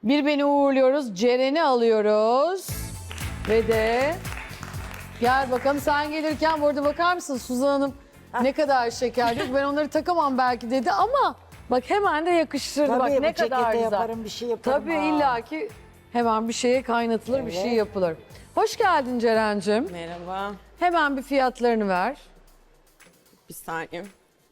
Bir beni uğurluyoruz. Ceren'i alıyoruz. Ve de gel bakalım, sen gelirken bu arada bakar mısın Suzan Hanım ne kadar şeker diyor. Ben onları takamam belki dedi ama bak hemen de yakıştırdı. Tabii, bak bu ne kadar cekete güzel. yaparım, bir şey yaparım. Tabii Aa. illaki hemen bir şeye kaynatılır, bir şey Evet. yapılır. Hoş geldin Ceren'cim. Merhaba. Hemen bir fiyatlarını ver. Bir saniye.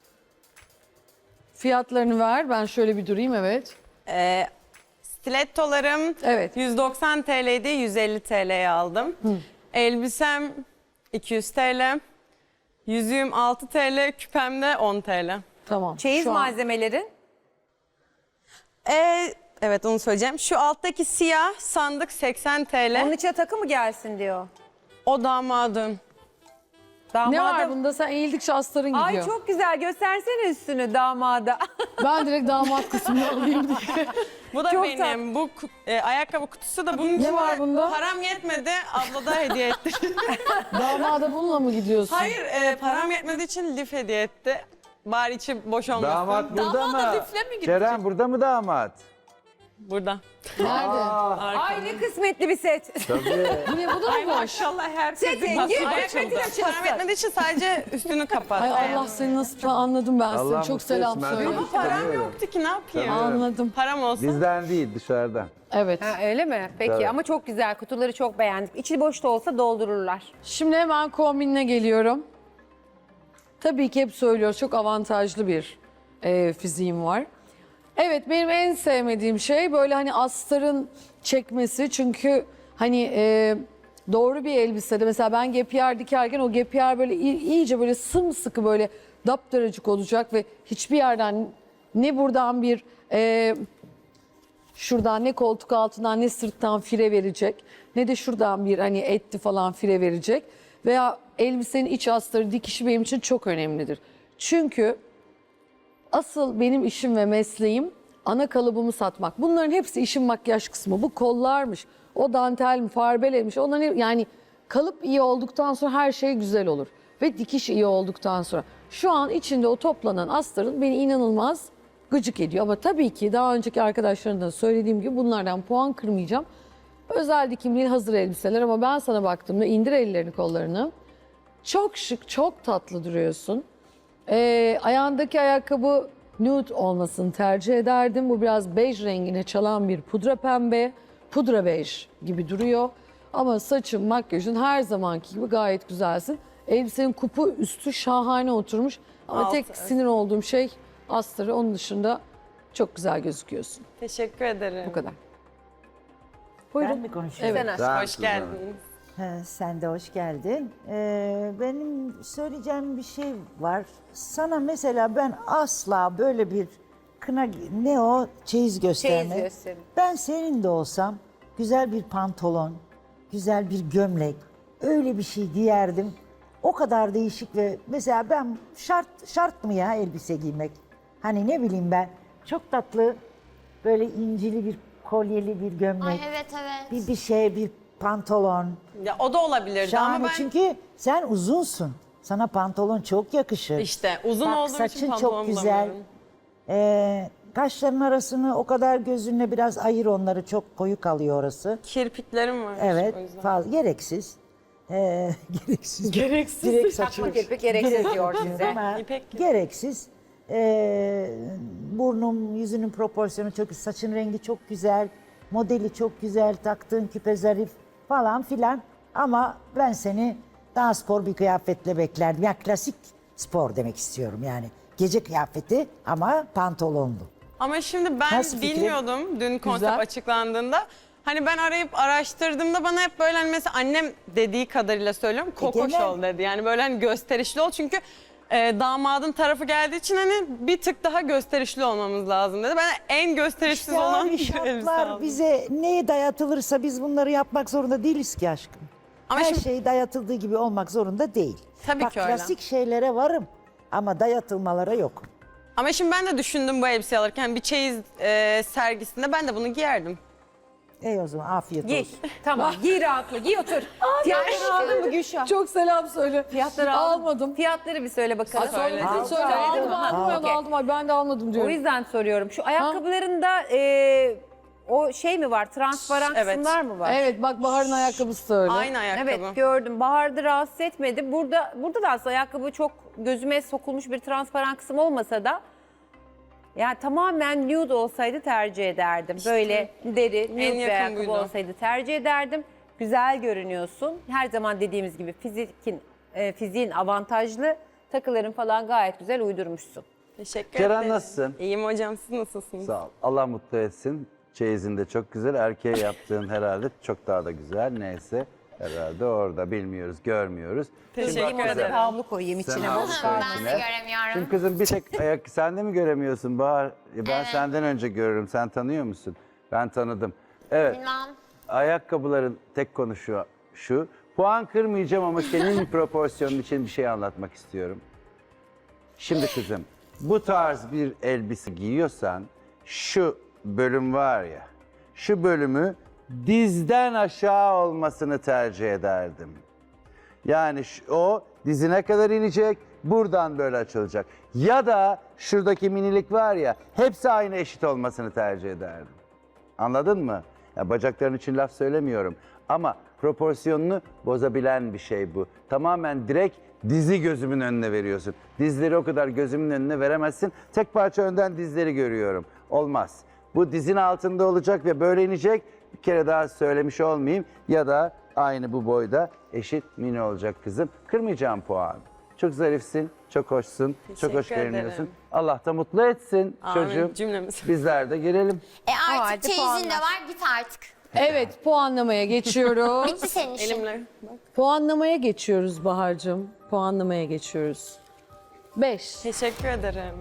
Fiyatlarını ver. Ben şöyle bir durayım, evet. Stilettolarım Evet. 190 TL'ydi, 150 TL'ye aldım. Elbisem 200 TL. Yüzüğüm 6 TL, küpem de 10 TL. Tamam. Çeyiz Şu an- malzemelerin. Evet, onu söyleyeceğim. Şu alttaki siyah sandık 80 TL. Onun içine takı mı gelsin diyor. O damadın. Ne var Damadım. bunda? Sen eğildikçe astarın gidiyor. Ay çok güzel, göstersene üstünü damada. Ben direkt damat kısmını alayım diye. Bu da Çok benim. Bu ayakkabı kutusu da bunun Ne var bunda? Param yetmedi, abla da hediye etti. Damada bununla mı gidiyorsun? Hayır, param yetmediği için lif hediye etti. Bari içi boş olmasın. Damat burada Damada mı? lifle mi gidecek? Ceren burada mı damat? Burada. Nerede? Ay ne kısmetli bir set. Tabii. Bu ne, bu da mı boş? Maşallah her Set zengin, kısmetin açılsın. Param yetmediği için sadece üstünü kapattı. Ay Allah seni nasıl anladım ben seni. Allah Çok mutlu selam etsin, söyle. hadi. Ama param Tanıyorum. yoktu ki, ne yapayım? Tanıyorum. Anladım. Param olsa. Bizden değil, dışarıdan. Evet. Ha, öyle mi? Peki Tabii. ama çok güzel. Kutuları çok beğendik. İçi boş da olsa doldururlar. Şimdi hemen kombinine geliyorum. Tabii ki hep söylüyoruz, çok avantajlı bir fiziğim var. Evet, benim en sevmediğim şey böyle hani astarın çekmesi. Çünkü hani doğru bir elbisede mesela ben gepiyer dikerken o gepiyer böyle iyice böyle sımsıkı böyle daptaracık olacak ve hiçbir yerden ne buradan bir şuradan ne koltuk altından ne sırttan fire verecek ne de şuradan bir hani etti falan fire verecek veya elbisenin iç astarı dikişi benim için çok önemlidir. Çünkü asıl benim işim ve mesleğim ana kalıbımı satmak. Bunların hepsi işin makyaj kısmı. Bu kollarmış, o dantel mi, farbelemiş. Onların yani kalıp iyi olduktan sonra her şey güzel olur. Ve dikiş iyi olduktan sonra. Şu an içinde o toplanan astarın beni inanılmaz gıcık ediyor. Ama tabii ki daha önceki arkadaşlarımdan da söylediğim gibi bunlardan puan kırmayacağım. Özel dikim değil, hazır elbiseler ama ben sana baktığımda indir ellerini kollarını. Çok şık, çok tatlı duruyorsun. Ayağındaki ayakkabı nude olmasını tercih ederdim. Bu biraz bej rengine çalan bir pudra pembe, pudra bej gibi duruyor. Ama saçın, makyajın her zamanki gibi gayet güzelsin. Elbisenin kupu üstü şahane oturmuş. Ama Altı, tek evet. sinir olduğum şey astarı. Onun dışında çok güzel gözüküyorsun. Teşekkür ederim. Bu kadar. Ben Buyurun. mi konuşuyorum? Evet. Sen aç. Hoş geldiniz. Sen de hoş geldin. Benim söyleyeceğim bir şey var. Sana mesela ben asla böyle bir kına, ne o çeyiz gösterme. Çeyiz gösterme. Ben senin de olsam güzel bir pantolon, güzel bir gömlek, öyle bir şey giyerdim. O kadar değişik ve mesela ben şart mı ya elbise giymek? Hani ne bileyim ben, çok tatlı böyle incili bir kolyeli bir gömlek. Ay evet evet. Bir şey, bir pantolon. Ya o da olabilirdi Şahane ama ben çünkü sen uzunsun. Sana pantolon çok yakışır. işte uzun Bak, olduğum için saçın pantolon çok güzel. bulamıyorum. Kaşların arasını o kadar gözünle biraz ayır, onları çok koyu kalıyor orası. Kirpiklerim var. Evet, o yüzden. fazla gereksiz. Gereksiz. Gereksiz. Direkt saçı. Takma kirpik gereksiz diyor size. Ama İpek gibi. gereksiz. Burnum, yüzünün proporsiyonu çok, saçın rengi çok güzel, modeli çok güzel, taktığın küpe zarif falan filan. Ama ben seni daha spor bir kıyafetle beklerdim. Ya klasik spor demek istiyorum yani. Gece kıyafeti ama pantolonlu. Ama şimdi ben Nasıl fikrin? bilmiyordum dün konsept Güzel. açıklandığında. Hani ben arayıp araştırdığımda bana hep böyle hani mesela annem dediği kadarıyla söylüyorum kokoş genel- ol dedi. Yani böyle hani gösterişli ol çünkü damadın tarafı geldiği için hani bir tık daha gösterişli olmamız lazım dedi. Ben en gösterişsiz İşte olan abi bir elbise şartlar aldım. bize neye dayatılırsa biz bunları yapmak zorunda değiliz ki aşkım. Ama Her şimdi- şey dayatıldığı gibi olmak zorunda değil. Tabii Bak, ki öyle. klasik şeylere varım ama dayatılmalara yok. Ama şimdi ben de düşündüm bu elbiseyi alırken bir çeyiz sergisinde ben de bunu giyerdim. O zaman afiyet Giy. olsun. Tamam. Giy rahatla. Giy otur. Fiyatları aldın mı Gülşah? Çok selam söyle. Fiyatları aldın. Almadım. Fiyatları bir söyle bakalım. Ay, söyledin, Aldım. söyle. Aldım, Ha, aldım, okey. aldım. Ay, ben de almadım O diyorum. yüzden soruyorum. Şu ayakkabılarında o o şey mi var? Transparan Evet. kısımlar mı var? Evet bak Bahar'ın ayakkabısı da öyle. Aynı ayakkabı. Evet gördüm. Bahar'da rahatsız etmedi. Burada da aslında ayakkabı çok gözüme sokulmuş bir transparan kısım olmasa da yani tamamen nude olsaydı tercih ederdim. Böyle deri, nude bir yakın ayakkabı buydu. olsaydı tercih ederdim. Güzel görünüyorsun. Her zaman dediğimiz gibi fiziğin avantajlı. Takıların falan gayet güzel uydurmuşsun. Teşekkür Ceren ederim. nasılsın? İyiyim hocam, siz nasılsınız? Sağ ol. Allah mutlu etsin. Çeyizin de çok güzel. Erkeğe yaptığın herhalde çok daha da güzel. Neyse herhalde orada bilmiyoruz, görmüyoruz. Teşekkür bak ederim. kızım, Havlu koyayım sen içine. al Boş şu kalmasın. Ben de içine. göremiyorum. Şimdi kızım bir tek ayak sen de mi göremiyorsun Bahar? Ben senden önce görürüm. Sen tanıyor musun? Ben tanıdım. Evet. Bilmem. Ayakkabıların tek konu şu. Puan kırmayacağım ama senin proporsiyonun için bir şey anlatmak istiyorum. Şimdi kızım, bu tarz bir elbise giyiyorsan şu bölüm var ya, şu bölümü dizden aşağı olmasını tercih ederdim. Yani o dizine kadar inecek, buradan böyle açılacak. Ya da şuradaki minilik var ya, hepsi aynı eşit olmasını tercih ederdim. Anladın mı? Ya bacakların için laf söylemiyorum ama proporsiyonunu bozabilen bir şey bu. Tamamen direkt dizi gözümün önüne veriyorsun. Dizleri o kadar gözümün önüne veremezsin. Tek parça önden dizleri görüyorum. Olmaz. Bu dizin altında olacak ve böyle inecek. Bir kere daha söylemiş olmayayım. Ya da aynı bu boyda eşit mini olacak kızım. Kırmayacağım puan. Çok zarifsin, çok hoşsun, çok hoş Teşekkür görünüyorsun. ederim. Allah da mutlu etsin Amin, çocuğum. cümlemiz. Bizler de girelim. Artık hadi çeyizin de puanlar. var, git artık. Evet puanlamaya geçiyoruz. Bitti senin işin. Elimle. Bak. Puanlamaya geçiyoruz Bahar'cığım. Puanlamaya geçiyoruz. 5. Teşekkür ederim.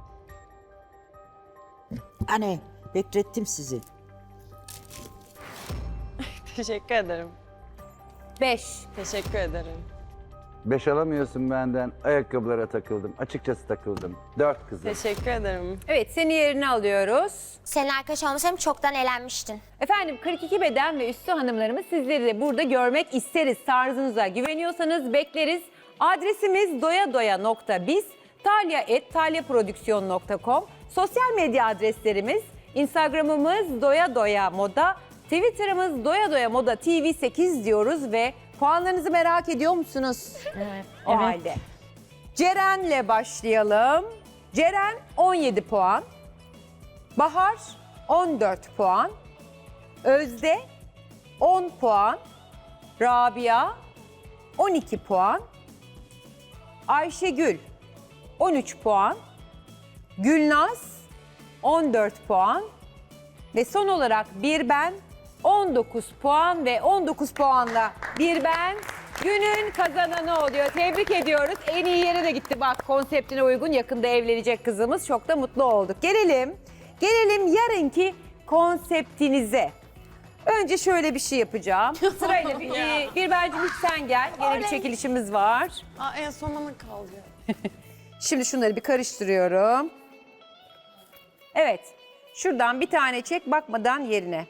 Anne beklettim sizi. Teşekkür ederim. 5. Teşekkür ederim. 5 alamıyorsun benden. Ayakkabılara takıldım. Açıkçası takıldım. 4 kızım. Teşekkür ederim. Evet seni yerine alıyoruz. Senin arkadaş olmasaydım çoktan elenmiştin. Efendim 42 beden ve üstü hanımlarımız sizleri de burada görmek isteriz. Tarzınıza güveniyorsanız bekleriz. Adresimiz doyadoya.biz, talya@talyaprodüksiyon.com. Sosyal medya adreslerimiz Instagram'ımız doyadoyamoda, Twitter'ımız doyadoyamoda TV8 diyoruz ve puanlarınızı merak ediyor musunuz? Evet. O halde. Ceren'le başlayalım. Ceren 17 puan. Bahar 14 puan. Özde 10 puan. Rabia 12 puan. Ayşegül 13 puan. Gülnaz 14 puan. Ve son olarak bir ben 19 puan ve 19 puanla bir ben günün kazananı oluyor. Tebrik ediyoruz. En iyi yere de gitti bak konseptine uygun yakında evlenecek kızımız. Çok da mutlu olduk. Gelelim yarınki konseptinize. Önce şöyle bir şey yapacağım. Sırayla bir bence hiç sen gel. Yine bir çekilişimiz var. En son bana kaldı. Şimdi şunları bir karıştırıyorum. Evet. Şuradan bir tane çek bakmadan yerine.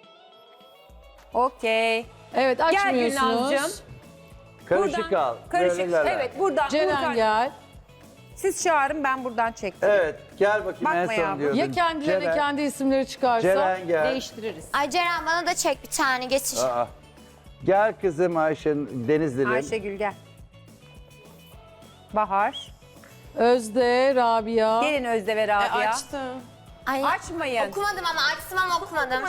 Okey. Evet Gel açmıyorsunuz. Gülnaz'cığım. Karışık al. Karışık. Böyleler. Evet buradan. Ceren gel. Siz çağırın ben buradan çektim. Evet gel bakayım Bakma en son yavrum. diyordun. Ya kendilerine kendi isimleri çıkarsa Ceren gel. değiştiririz. Ay Ceren bana da çek bir tane getir. Aa. Gel kızım Denizli'lim. Ayşegül gel. Bahar. Özde, Rabia. Gelin Özde ve Rabia. Açtı. Ay, Açmayın. okumadım ama açtım ama okumadım.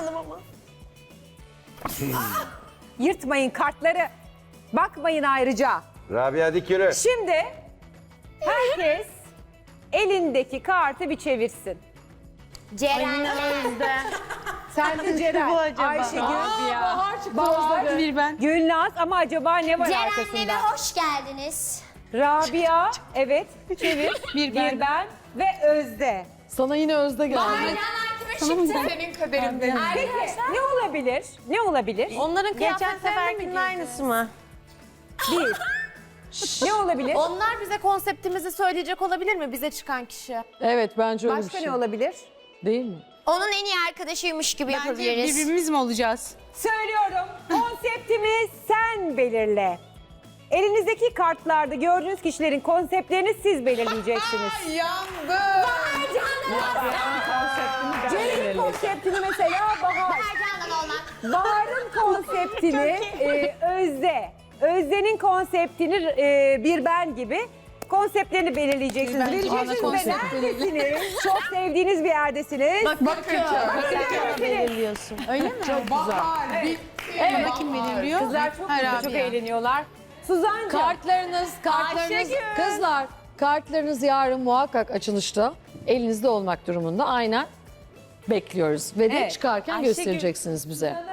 Yırtmayın kartları. Bakmayın ayrıca. Rabia hadi yürü. Şimdi herkes elindeki kartı bir çevirsin. Ceren Özde. Sen de Ceren, Ayşegül, Bahar, Bir ben. Gülnaz ama acaba ne var Ceren'le arkasında? ve hoş geldiniz. Rabia, evet çevir. Bir ben ve Özde. Sana yine Özde geldi. Senin kaderinden. Peki ne olabilir? Ne olabilir? Onların geçen seferkinin aynısı mı? Değil. Ne olabilir? Onlar bize konseptimizi söyleyecek olabilir mi? Bize çıkan kişi. Evet bence öyle Başka bir şey. ne olabilir? Değil mi? Onun en iyi arkadaşıymış gibi yapabiliriz. birbirimiz mi olacağız? Söylüyorum. Konseptimi sen belirle. Elinizdeki kartlarda gördüğünüz kişilerin konseptlerini siz belirleyeceksiniz. Yandım. Ceren'in konseptini mesela Bahar. konseptini Özde'nin konseptini bir ben gibi konseptlerini belirleyeceksiniz. Belirleyeceksiniz ve konsept neredesiniz? Çok sevdiğiniz bir yerdesiniz. belirliyorsun. Öyle mi? Çok güzel. Evet. Kim belirliyor? Kızlar çok eğleniyorlar. Suzan'cığım. Kartlarınız, Ayşegül. kızlar, kartlarınız yarın muhakkak açılışta elinizde olmak durumunda. Aynen bekliyoruz ve de Evet, çıkarken Ayşegül. göstereceksiniz bize.